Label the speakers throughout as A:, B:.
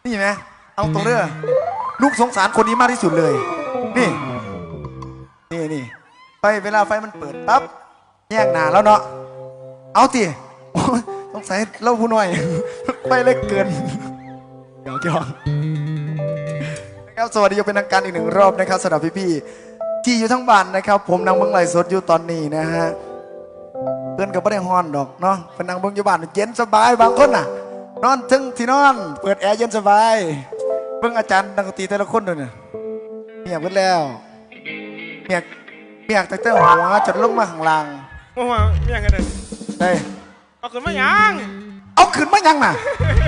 A: นี่ไหมเอาตรงเรื่องลูกสงสารคนนี้มากที่สุดเลยนี่ไปเวลาไฟมันเปิดปั๊บแยกหนาแล้วเนาะเอาสิสงสัยเล่าผู้น้อยไปเล็กเกินเดี๋ยวนะครับสวัสดีเป็นทางการอีกหนึ่งรอบนะครับสำหรับพี่ๆที่อยู่ทั้งบ้านนะครับผมนางเบิ้งไลฟ์สดอยู่ตอนนี้นะฮะเพื่อนก็ไม่ได้ฮอนดอกเนาะเป็นนางเบิ้งอยู่บ้านเย็นสบายบางคนน่ะนอนถึงที่นอนเปิดแอร์เย็นสบายเบิ้งอาจารย์นักดนตรีแต่ละคนด้วยเนี่ยเมียกขึ้นแล้วเมียกแต่หัวจนลงมาข้างล่าง
B: ว่าเมียกันเลย
A: ได้
B: เอาขึ้นมายัง
A: เอาขึ้นมายังน่ะ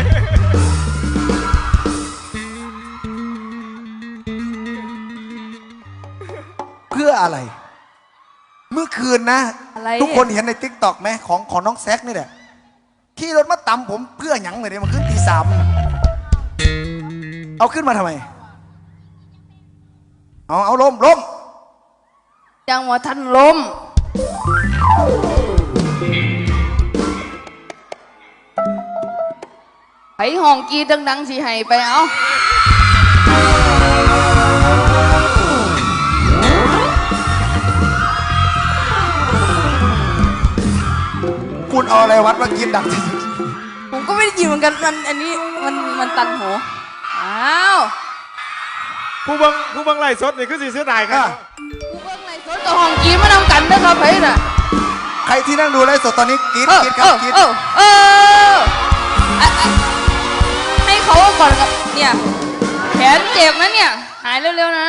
A: เพื่ออะไรเมื่อคืนนะทุกคนเห็นในติ๊กต็อกไหมของน้องแซกนี่แหละขี่รถมาตำผมเพื่อหยังเลยเนี่ยมันขึ้นตี 3เอาขึ้นมาทำไมเอาล้ม
C: ยังว่าท่านลมไผห้องกีดังๆสิให้ไปเอา
A: คุณเอาอะไรวัดมากินดังที่สุด
C: ผมก็ไม่ได้ยินเหมือนกันอันนี้มันตันหูอ้าว
B: ผู้บังไล่สดนี่คือสีเสื้อดายครับ
C: ผู้บังไล่สดกับห้องกีมานำกันนะครับไผน่ะ
A: ใครที่นั่งดูไลฟ์สดตอนนี้กรี๊ดครับกรี๊ด
C: ให้เขาก่อนกับเนี่ยแขนเจ็บนะเนี่ยหายเร็วๆนะ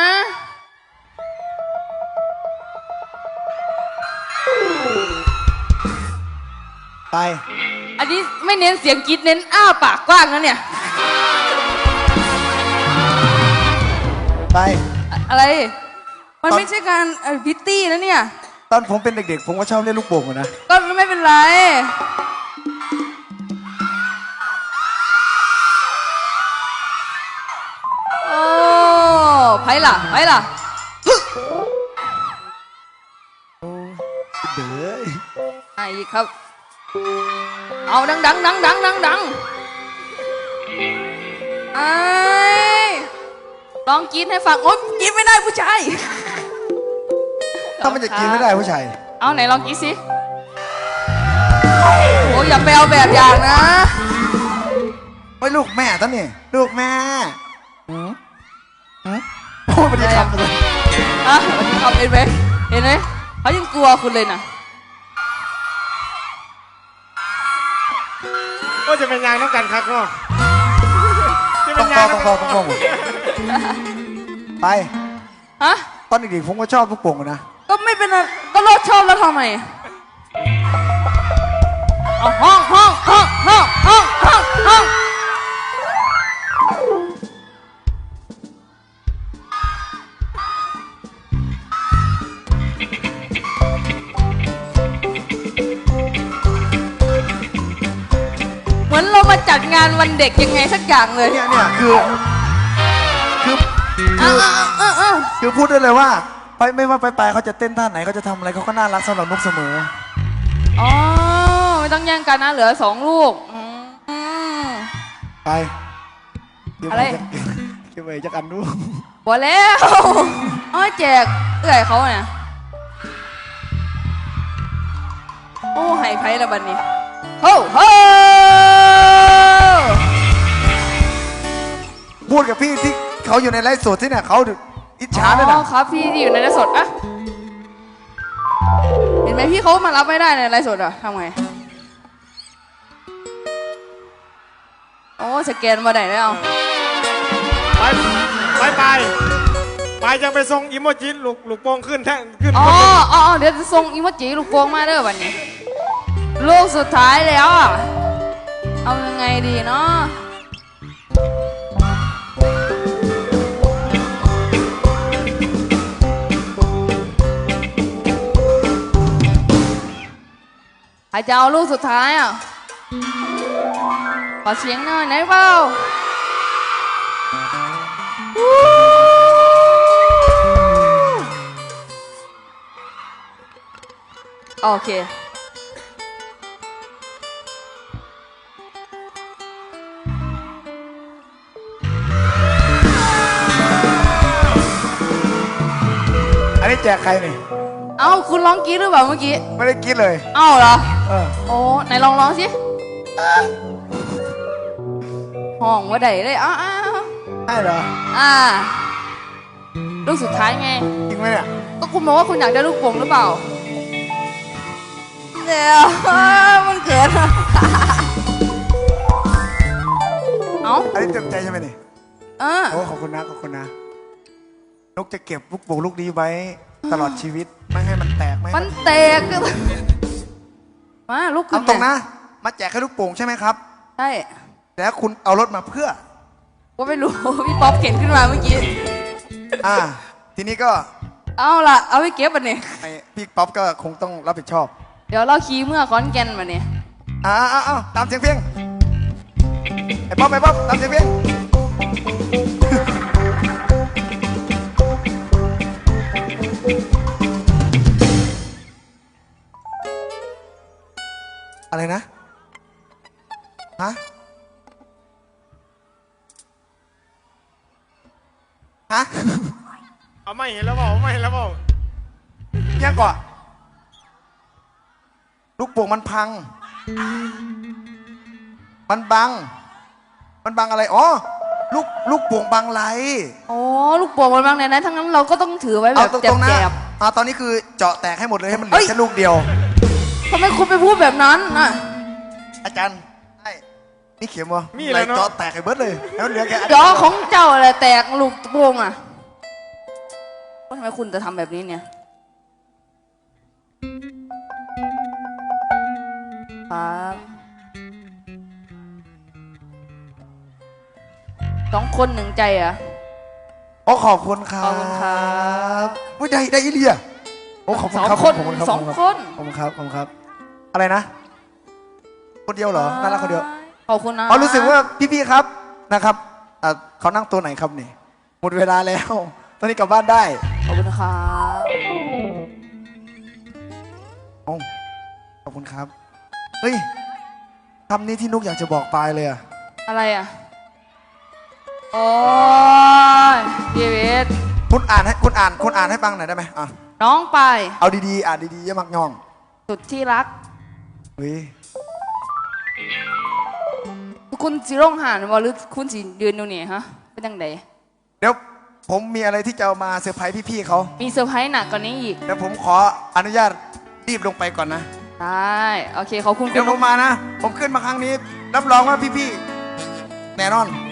A: ไป
C: อันนี้ไม่เน้นเสียงกรี๊ดเน้นอ้าปากกว้างนะเนี่ย
A: ไป
C: อะไรมันไม่ใช่การพิตตี้นะเนี่ย
A: ตอนผมเป็นเด็กๆผมก็ชอบเล่นลูกโป่งนะ
C: ก็ไม่เป็นไรโอ้ไผ่ล่ะ
A: เด้อ
C: ไอ้ครับเอาดังไอ้ลองกินให้ฟังโอ๊ยกินไม่ได้ผู้ชาย
A: ถ้ามันจะกินไม่ได้ผู้ชาย
C: เอาไหนลองกินสิโอ้ยอย่าไปเอาแบบอย่างนะ
A: ไม่ลูกแม่ท่านนี่ลูกแม่พูดไปดีคำเลย
C: วันนี้เขาเห็นไหมเขายังกลัวคุณเลยนะ
B: ก็จะเป็นยางน้ำกันครับเนาะ
A: ต้องไป
C: ฮะ
A: ตอนเด็กๆผมก็ชอบลูกโป่งนะ
C: ก็ไม่เป็นก็รถชอบแล้วทำไมเอาห้องเหมือนเรามาจัดงานวันเด็กยังไงสักอย่างเลย
A: เนี่ยคือพูดได้เลยว่าไปไม่ว่าไปเขาจะเต้นท่าไหนเขาจะทำอะไรเขาก็น่ารักสำหรับนกเสมอ
C: อ๋อไม่ต้องแย่งกันนะเหลือ2 ลูก
A: ไป
C: อะไร
A: เก็บไว้จักอันดู
C: บอกแล้วอ๋อแจกเอื่อยเขาเนี่ยโอ้ให้ไพ่ละบันนี้โฮ้
A: พูดกับพี่ที่เขาอยู่ในไลฟ์สดที่เนี่ยเขาอิจฉาด้วยนะ
C: ครับพี่ที่อยู่ในไลฟ์สดอะเห็นไหมพี่เขามารับไม่ได้ในไลฟ์สดอะทำไงโอ้สแกนมาได้แล้ว
B: ไปยังไปส่งอิโมจิลูกโป่งขึ้น
C: อ๋อเดี๋ยวจะส่งอิโมจิลูกโป่งมาเด้อวันนี้ลูกสุดท้ายแล้วอะเอายังไงดีเนาะใครจะเอาลูกสุดท้ายอ่ะขอเสียงหน่อยไหนเปล่าโอเค
A: แจกใครนี่
C: เอ้าคุณร้องกรี๊ดหรือเปล่าเมื่อกี้
A: ไม่ได้คิดเลย
C: เอ้าเหรอ
A: เออ
C: โอ้ไหนลองร้องสิห้องว่าใดเลยอ้าว
A: ใช่เหรอ
C: ลูกสุดท้ายไง
A: จริงไหมเนี่ย
C: ก็คุณบอกว่าคุณอยากได้ลูกโป่งหรือเปล่าเดี๋ยวมันเกิด เอ้า
A: อันนี้เต็มใจใช่ไหมนี่
C: เออ
A: โอ้ขอบคุณนะขอบคุณนะนกจะเก็บลูกโป่งลูกนี้ไว้ตลอดชีวิตไม่ให้มันแตกไม่ให้
C: มันแตกมาลูกขึ้
A: เอา
C: น
A: ตรงนะ มาแจกแค่ลูกโป่งใช่ไหมครับ
C: ใช่
A: แล้วคุณเอารถมาเพื่อ
C: ว่าไม่รู้ พี่ป๊อปเข็นขึ้นมาเมื่อกี้
A: ทีนี้ก็
C: เอาล่ะ เอาไปเก็บมันเนี่ย
A: ไอ้พี่ป๊อปก็คงต้องรับผิดชอบ
C: เดี๋ยวเราขี่เมื่อขอนแก่นมาเนี่ย
A: ตามเสียงเพลงไอ้ป๊อปตามเสียงเพลงอะไรนะฮะฮะ
B: เอาไม่เห็นแล้วเปล่าไม่เห็นแล้วเปล่า
A: ยังก่อนลูกโป่งมันพัง มันบังอะไรอ๋อลูกโป่งบังไร
C: โอ้ลูกโป่งมันบางในนั้นทั้งนั้นเราก็ต้องถือไว้แบ
A: เอา
C: บ
A: ตรงๆนะ
C: แจบ
A: ตอนนี้คือเจาะแตกให้หมดเลยให้มันเหลื
C: เอ้
A: อย แค่ลูกเดียว
C: ๆทำไมคุณไปพูดแบบนั้นน่ะ
A: อาจารย์ไอ้นี่เขียนวะ
B: มีอะไร
A: เจาะ
B: เนาะ
A: แตกให้เบิดเลยแล้วเหลือแค่
C: เดี๋ยวของเจ้าอะไรแตกลูกโป่งอ่ะว่าทำไมคุณจะทำแบบนี้เนี่ยครับ2 คน1ใจอ่ะ
A: โอ้ขอบคุณครับ
C: ขอบคุณครับ
A: อุ้ยได้อีเลียโอ้ขอบคุณครับ
C: 2 คน
A: ขอบคุณครับ
C: 2 คน
A: ขอบคุณครับขอบคุณครับ อะไรนะ คนเดียวเหรอน่ารักคนเดียว
C: ขอบคุณนะ
A: อ๋อรู้สึกว่าพี่ๆครับนะครับเขานั่งตัวไหนครับนี่หมดเวลาแล้ว ตอนนี้กลับบ้านได้
C: ขอบคุณครับ
A: โอ้ขอบคุณครับเฮ้ยคำนี้ที่นุกอยากจะบอกปายเลยอะ
C: อะไรอ่ะโอ้ยชีวิต
A: คุณอ่านให้ฟังหน่อยได้ไหมอ่ะ
C: น้องไป
A: เอาดีๆอ่านดีๆอย่ามักย่อง
C: สุดที่รัก
A: เฮ้ย
C: คุณสิร่องหานวะหรือคุณสิยืนอยู่นี่ฮะเป็นยังไง
A: เดี๋ยวผมมีอะไรที่จะเอามาเซอร์ไพรส์พี่ๆเขา
C: มีเซอร์ไพรส์หนักกว่านี้อีก
A: เดี๋ยวผมขออนุญาตรีบลงไปก่อนนะ
C: ได้โอเคขอบคุณ
A: เดี๋ยวผมมานะ ผมขึ้นมาครั้งนี้รับรองว่าพี่ๆแน่นอน